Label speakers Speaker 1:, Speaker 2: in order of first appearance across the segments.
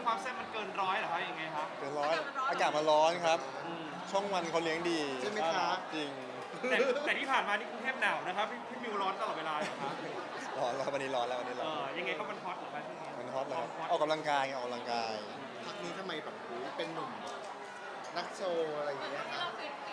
Speaker 1: ความแซ่บมันเกินร้อยเหรอครับยังไงครับ
Speaker 2: เกินร้อยอากาศมันร้อนครับ
Speaker 1: อืม
Speaker 2: ช่องวันเขาเลี้ยงดี
Speaker 3: ใช่ไหมครับ
Speaker 2: จริง
Speaker 1: แต่ที่ผ่านมานี่กรุงเทพหนาวนะครับพี่มิวร้อนตลอดเวลาเหรอครับ
Speaker 2: ร้อนแล้ววันนี้ร้อนแล้ววันนี้ร้อน
Speaker 1: ยังไงก็มันฮอตเหรอครับช่วงนี้
Speaker 2: มันฮอตแล้ว
Speaker 1: ฮอต
Speaker 2: ออกกำลังกายไงออกกำลังกาย
Speaker 3: พักนี้ทำไมแบบโอ้โหเป็นหนุ่มนักโชว์อะไรอย่างเงี้ยครับ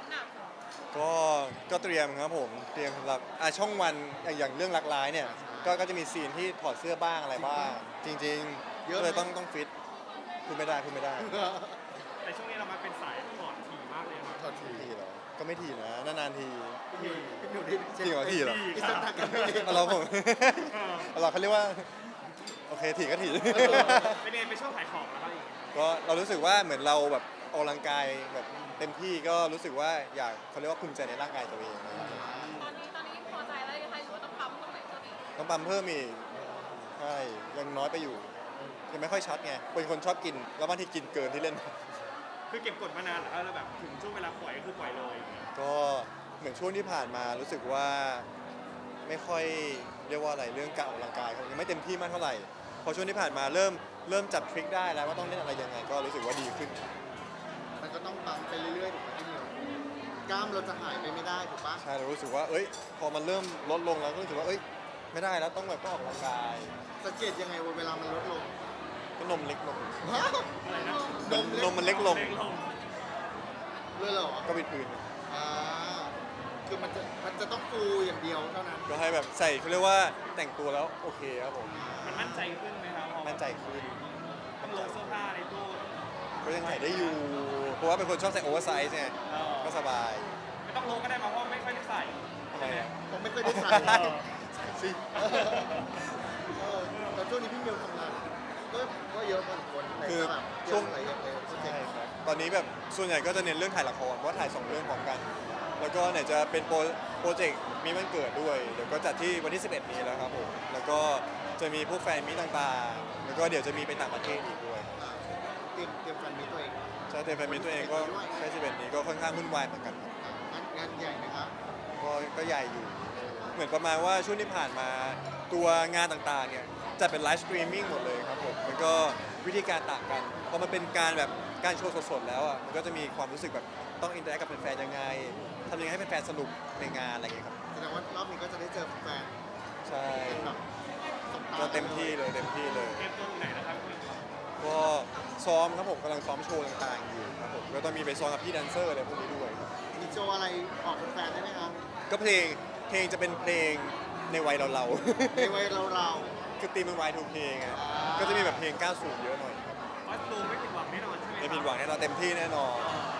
Speaker 2: ก็เตรียมครับผมเตรียมสำหรับช่องวันอย่างเรื่องรักร้ายเนี่ยก็จะมีซีนที่ถอดเสื้อบ้างอะไรบ้าง จริงๆก็เลยต้องฟิตพูดไม่ได้พูดไม่ได้
Speaker 1: แต่ช่วงนี้เรามาเป็นสายถอดถี่มากเลยครับ
Speaker 3: ถอดที
Speaker 2: ทีเหรอก็ไม่ทีนะนานๆที
Speaker 3: พี่หนุ่มนี่
Speaker 2: จริงเหรอทีเหรอ
Speaker 3: อิสระกันไม่ดี
Speaker 2: เราผม เราเขาเรียกว่าโอเคทีก็ที
Speaker 1: เป็นยังไงเป็นช่วงขายของแล้วครับอีก
Speaker 2: ก็เรารู้สึกว่าเหมือนเราแบบออกกำลังกายแบบเต็มที่ก็รู้สึกว่าอยากเขาเรียกว่าภูมิใจในร่างกายตัวเองนะครับ
Speaker 4: ตอนนี้พอใจแล้วยังไงหรือว่าต้องปั๊มตรงไหนเพิ่มอีก
Speaker 2: ต้องปั๊มเพิ่มอีกใช่ยังน้อยไปอยู่ยังไม่ค่อยชัดไงเป็นคนชอบกินแล้วบางทีกินเกินที่เล่น
Speaker 1: คือเก็บกดมานานแล้วแบบถึงช่วงเวลาปล่อยก็คือปล่อยเลย
Speaker 2: ก็เหมือนช่วงที่ผ่านมารู้สึกว่าไม่ค่อยเรียกว่าอะไรเรื่องการออกกำลังกายยังไม่เต็มที่มากเท่าไหร่พอช่วงที่ผ่านมาเริ่มจับทริคได้แล้วว่าต้องเล่นอะไรยังไงก็รู้สึกว่าดีขึ้น
Speaker 3: มันก็ต้องปั๊มไปเรื่อยๆถูกไหมพี่หนุ่มกล้ามเราจะหายไปไม่ได้ถูกปะ
Speaker 2: ใช่เรารู้สึกว่าเอ้ยพอมันเริ่มลดลงแล้วก็รู้สึกว่าเอ้ยไม่ได้แล้วต้องแบบต้องออกกำลังกาย
Speaker 3: สังเกตยังไงว่าเวลามันลดลง
Speaker 2: ก็นมเล็กลง
Speaker 3: ว้าว
Speaker 1: อะไรนะ
Speaker 2: นมมันเล็กลง
Speaker 1: เล็กลง
Speaker 3: เลยเหรอ
Speaker 2: ก็เป็นปืน
Speaker 3: อ่าคือมันจะต้องฟูอย่างเดียวเท่านั้น
Speaker 2: ก็ให้แบบใส่เขาเรียกว่าแต่งตัวแล้วโอเคครับผม
Speaker 1: มันมั่นใจขึ้นไหมครับพอ
Speaker 2: มั่นใจขึ้น
Speaker 1: ต้องลงเสื้อผ้าในตู้
Speaker 2: ก็ยังใส่ได้อยู่เพราะว่าเป็นคนชอบใส่โอเวอร์ไซส์ไงก็สบาย
Speaker 1: ไม่ต้องลงก็ได้มาเพราะไม่ค่อยได้ใส่
Speaker 2: ทำไมอะ
Speaker 3: ผมไม่เคยได้ใส่
Speaker 1: เออ
Speaker 2: สิ
Speaker 3: แต่ช่วงนี้พี่มิวทำงานก็เยอะพอสมควรใน
Speaker 2: คือ
Speaker 3: แบบ
Speaker 2: ช่วง
Speaker 3: อะไรอย่างเงี้ยโปรเจก
Speaker 2: ใช่
Speaker 3: ต์
Speaker 2: ครับตอนนี้แบบส่วนใหญ่ก็จะเน้นเรื่องถ่ายละครเพราะว่าถ่าย 2 เรื่องพร้อมกัน แล้วก็ไหนจะเป็นโปรเจกต์มีวันเกิดด้วย เดี๋ยวก็จัดที่วันที่ 11 นี้แล้วครับผม แล้วก็จะมีพวกแฟนมีตต่างๆ แล้วก็เดี๋ยวจะมีไปต่างประเทศอีกด้วย
Speaker 3: อ่าเตรียมฟันมีตัวเอง
Speaker 2: ใช่แต่แฟนมีตัวเองก็ใช่11 นี้ก็ค่อนข้างวุ่นวายเหมือนกันครับ
Speaker 3: งานใหญ่นะครับ
Speaker 2: ก็ใหญ่อยู่ เหมือนประมาณว่าช่วงที่ผ่านมาตัวงานต่างๆเนี่ยจะเป็นไลฟ์สตรีมมิ่งหมดเลยครับผมมันก็วิธีการต่างกันพอมันเป็นการแบบการโชว์สดๆแล้วอ่ะมันก็จะมีความรู้สึกแบบต้องอินเตอร์แอคกับแฟนๆยังไงทำยังไงให้แฟนๆสนุกในงานอะไรอย่างเงี้ยครับ
Speaker 3: แสดงว่ารอบนี้ก็จะได้เจอแฟน
Speaker 2: ใช่
Speaker 3: เป็นแบบสบตา
Speaker 2: ก็เต็มที่เลยเต็มที่เลย
Speaker 1: เตรียมตัวอยู่ไหนนะครับคุณ
Speaker 2: ก็ซ้อมครับผมกำลังซ้อมโชว์ต่างๆอยู่ครับผมก็ต้องมีไปซ้อมกับพี่แดนเซอร์อะไรพวกนี้ด้วยครับ
Speaker 3: มีโชว์อะไรออกแฟนได้ไหมครับ
Speaker 2: ก็เพลงจะเป็นเพลงในวัยเรา
Speaker 3: ในวัยเรา
Speaker 2: ๆ คือตีมเป็น Y2K ไง
Speaker 3: อ่า
Speaker 2: ก็จะมีแบบเพลง90เยอะหน่อยครับ
Speaker 1: คอสตูมไม่ผิดหวังแน่นอนใช่ไหมครับ
Speaker 2: ไม่ผิดหวังแน่นอนเต็มที่แน่นอน
Speaker 1: เ